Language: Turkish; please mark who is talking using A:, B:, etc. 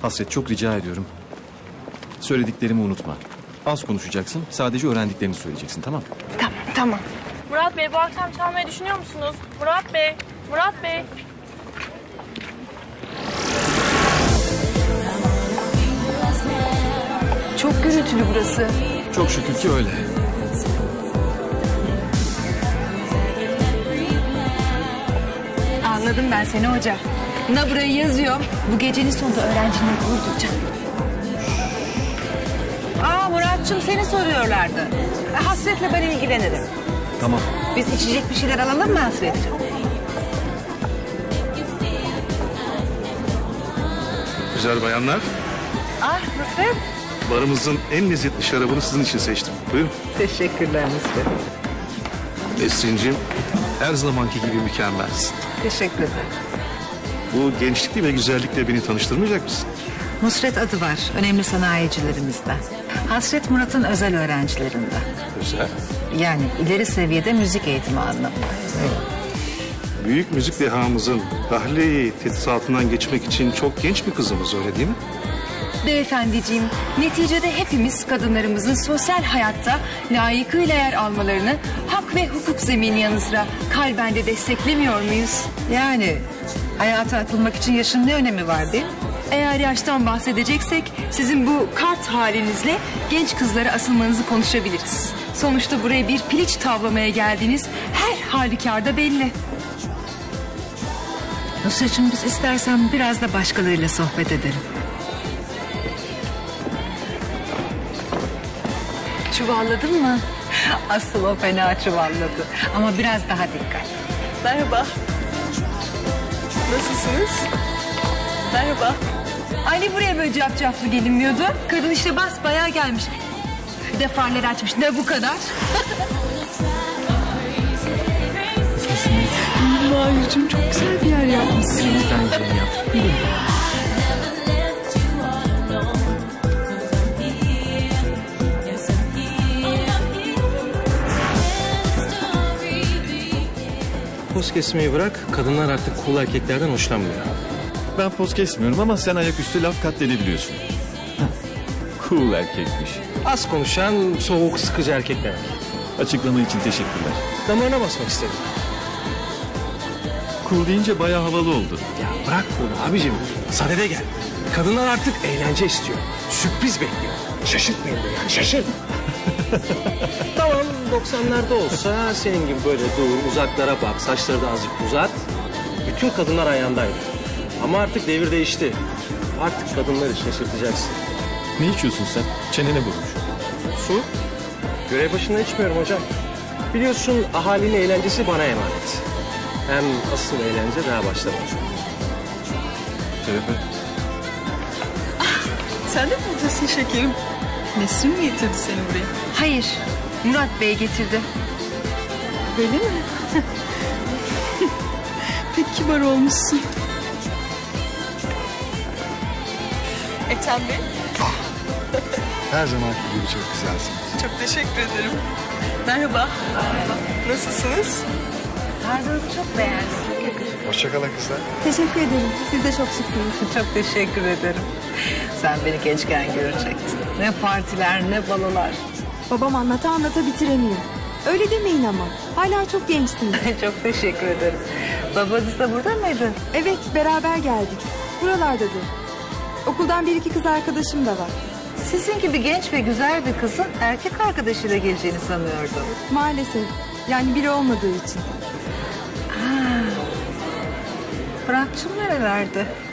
A: Hasret, çok rica ediyorum. Söylediklerimi unutma. Az konuşacaksın, sadece öğrendiklerini söyleyeceksin, tamam mı?
B: Tamam.
C: Murat Bey bu akşam çalmayı düşünüyor musunuz? Murat Bey, Murat Bey.
B: Çok gürültülü burası.
A: Çok şükür ki öyle.
B: Anladım ben seni hoca. Buna burayı yazıyorum. Bu gecenin sonunda öğrencilerine gurur duyacağım.
D: Muratçım seni soruyorlardı. Hasret'le ben ilgilenirim.
A: Tamam.
D: Biz içecek bir şeyler alalım mı Hasret'ciğim?
E: Güzel bayanlar,
D: Nusret.
E: barımızın en lezzetli şarabını sizin için seçtim. Buyurun.
D: Teşekkürler Nusret.
E: Nesrin'cim, her zamanki gibi mükemmelsin.
D: Teşekkür ederim.
E: Bu gençlikle ve güzellikle beni tanıştırmayacak mısın?
D: Nusret adı var. Önemli sanayicilerimizden. Hasret Murat'ın özel öğrencilerinden.
E: Güzel.
D: Yani ileri seviyede müzik eğitimi anlamında.
E: Büyük müzik dehamızın tahliye tetisatından geçmek için çok genç bir kızımız, öyle değil mi?
B: Beyefendiciğim, neticede hepimiz kadınlarımızın sosyal hayatta layıkıyla yer almalarını hak ve hukuk zemini yanı sıra kalben de desteklemiyor muyuz?
D: Yani hayata atılmak için yaşın ne önemi var değil mi?
B: Eğer yaştan bahsedeceksek sizin bu kart halinizle genç kızlara asılmanızı konuşabiliriz. Sonuçta buraya bir piliç tavlamaya geldiğiniz her halükarda belli.
D: Nusret'cim biz istersen biraz da başkalarıyla sohbet edelim.
B: Çuvalladın mı?
D: Asıl o fena çuvalladı. Ama biraz daha dikkat.
C: Merhaba. Nasılsınız? Merhaba.
B: Anne buraya böyle cafcaflı gelinmiyordu. Kadın işte basbayağı gelmiş. Bir de farları açmış. Ne bu kadar? Mahir'cim çok güzel bir yer yapmışsın.
A: Bence yap.
F: Poz kesmeyi bırak, kadınlar artık cool erkeklerden hoşlanmıyor.
A: Ben poz kesmiyorum ama sen ayaküstü laf katledebiliyorsun. Cool erkekmiş.
F: Az konuşan, soğuk, sıkıcı erkekler.
A: Açıklama için teşekkürler.
F: Damarına basmak istedim.
A: Cool deyince bayağı havalı oldu.
F: Ya bırak bunu abicim, sadede gel. Kadınlar artık eğlence istiyor, sürpriz bekliyor. Şaşırtmayın da yani, şaşırt. Tamam, 90'larda olsa senin gibi böyle dur, uzaklara bak, saçları da azıcık uzat. Bütün kadınlar ayağındaydı. Ama artık devir değişti. Artık kadınları şaşırtacaksın.
A: Ne içiyorsun sen? Çenene vurmuş.
F: Su? Görev başında içmiyorum hocam. Biliyorsun ahalinin eğlencesi bana emanet. Hem asıl eğlence daha başlamadı.
A: Şerefe.
C: Sen de mi buradasın şekerim? Nesrin mi getirdi seni buraya?
B: Hayır, Murat Bey getirdi.
C: Öyle mi? Pek kibar olmuşsun. Ethem Bey,
E: Her zamanki gibi çok güzelsiniz.
C: çok teşekkür ederim. Merhaba. Nasılsınız?
D: Tarzınızı çok beğendim. Çok yakışıklı.
E: Hoşçakalın kızlar.
G: Teşekkür ederim. Siz de çok şıksınız.
D: Çok teşekkür ederim. Sen beni gençken görecektin. Ne partiler ne balolar.
G: Babam anlata anlata bitiremiyor. Öyle demeyin ama. Hala çok gençsiniz.
D: Çok teşekkür ederim. Babanız da burada mıydı?
G: Evet, beraber geldik. Buralardadır. Okuldan bir iki kız arkadaşım da var.
D: Sizin gibi genç ve güzel bir kızın erkek arkadaşıyla geleceğini sanıyordum.
G: Maalesef. Yani biri olmadığı için.
D: Fırat'cığım nerelerde?